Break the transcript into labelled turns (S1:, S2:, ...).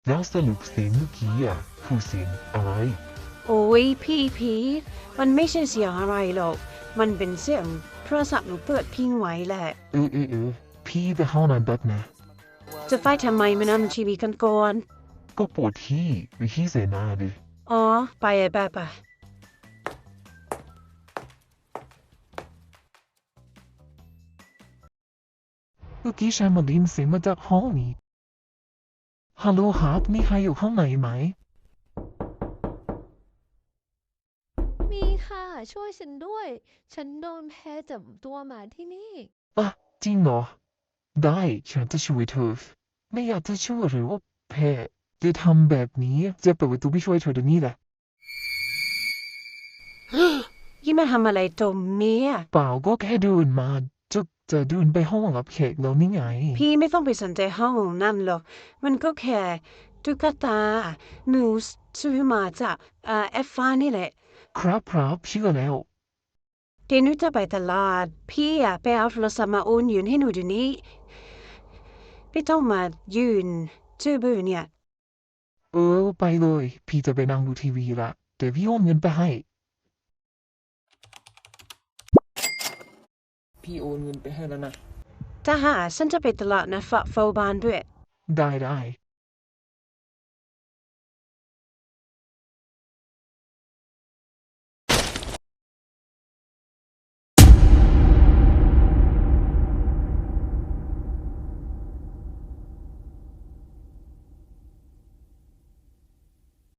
S1: แล้วสรุปเสียงเมื่อกี้อ่ะคือเสียงอะไร
S2: โอ้ยพี่มันไม่ใช่เสียงอะไรหรอกมันเป็นเสียงโทรศัพท์หนูเปิดพิงไว้แหละ
S1: พี่ไปห้องน้ำแป๊บนะ
S2: จะไปทำไมมานั่งทีวีกันก่อน
S1: ก็ปวดที่ไปขี้เสนาดิ
S2: อ๋อไปไป
S1: เมื่อกี้ฉันมาได้ยินเสียงมาจากห้องนี้ฮัลโหลครับมีใครอยู่ข้างในไหม
S3: มีค่ะช่วยฉันด้วยฉันโดนแพ้จับตัวมาที่นี่
S1: อ่ะจริงเหรอได้ฉันจะช่วยเธอไม่อยากจะช่วยหรือว่าแพ้จะทำแบบนี้จะเปิดประตูไม่ช่วยเธอเดี๋ยวนี้แหละ
S2: ยี่มาทำอะไรตรงเนี้ย
S1: เปล่าก็แค่เดินมาจะเดินไปห้องรับแขกแล้วนี่ไง
S2: พี่ไม่ต้องไปสนใจห้องนั่นหรอกมันก็แค่ตุ๊กตาหนูซื้อมาจากแอฟฟ้านี่แหละ
S1: ครับเชื่อแล้ว
S2: เดี๋ยวหนูจะไปตลาดพี่อะไปเอาโทรศัพท์มาโอนยืนให้หนูเดี๋ยวนี้ไม่ต้องมายืนชื่อบื้อเนี่ย
S1: ไปเลยพี่จะไปนั่งดูทีวีละเดี๋ยวพี่โอนเงินไปให้พี่โอนเงินไปให้แล้วนะ
S2: ถ้าหาฉันจะไปตลาดนะฝากเฝ้าบ้านด้วย
S1: ได้